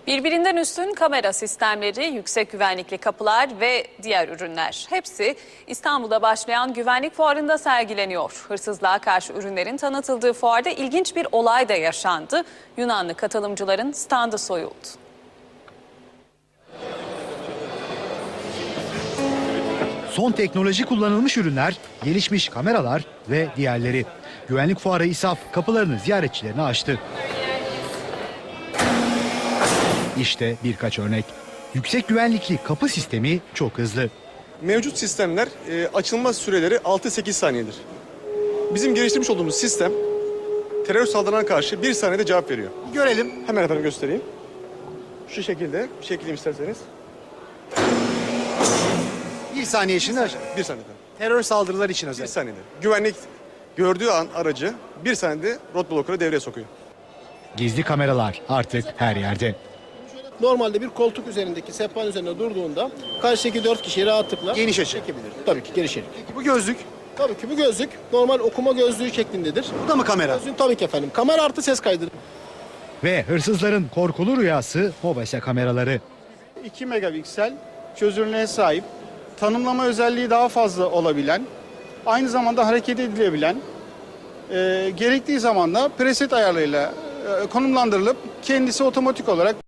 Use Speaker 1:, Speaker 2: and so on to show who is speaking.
Speaker 1: Birbirinden üstün kamera sistemleri, yüksek güvenlikli kapılar ve diğer ürünler. Hepsi İstanbul'da başlayan güvenlik fuarında sergileniyor. Hırsızlığa karşı ürünlerin tanıtıldığı fuarda ilginç bir olay da yaşandı. Yunanlı katılımcıların standı soyuldu.
Speaker 2: Son teknoloji kullanılmış ürünler, gelişmiş kameralar ve diğerleri. Güvenlik fuarı İSAF kapılarını ziyaretçilerine açtı. İşte birkaç örnek. Yüksek güvenlikli kapı sistemi çok hızlı.
Speaker 3: Mevcut sistemler açılma süreleri 6-8 saniyedir. Bizim geliştirmiş olduğumuz sistem terör saldırılarına karşı 1 saniyede cevap veriyor.
Speaker 2: Görelim.
Speaker 3: Hemen efendim göstereyim. Şu şekilde, çekeyim isterseniz.
Speaker 2: 1 saniye içinde
Speaker 3: 1 saniye efendim.
Speaker 2: terör saldırıları için
Speaker 3: 1
Speaker 2: özel.
Speaker 3: saniyede. Güvenlik gördüğü an aracı 1 saniyede roadblocker'ı devreye sokuyor.
Speaker 2: Gizli kameralar artık her yerde.
Speaker 4: Normalde bir koltuk üzerindeki sehpanın üzerinde durduğunda karşıdaki 4 kişiyi rahatlıkla
Speaker 2: Geniş açı.
Speaker 4: çekebilir. Tabii ki geniş açı.
Speaker 2: Bu gözlük,
Speaker 4: Tabii ki bu gözlük normal okuma gözlüğü şeklindedir.
Speaker 2: bu da mı kamera?
Speaker 4: Gözlüğün tabii ki efendim. Kamera artı ses kaydıdır.
Speaker 2: Ve hırsızların korkulu rüyası MOBESE kameraları.
Speaker 5: 2 megapiksel çözünürlüğe sahip, tanımlama özelliği daha fazla olabilen, aynı zamanda hareket edilebilen, gerektiği zaman da preset ayarlarıyla konumlandırılıp kendisi otomatik olarak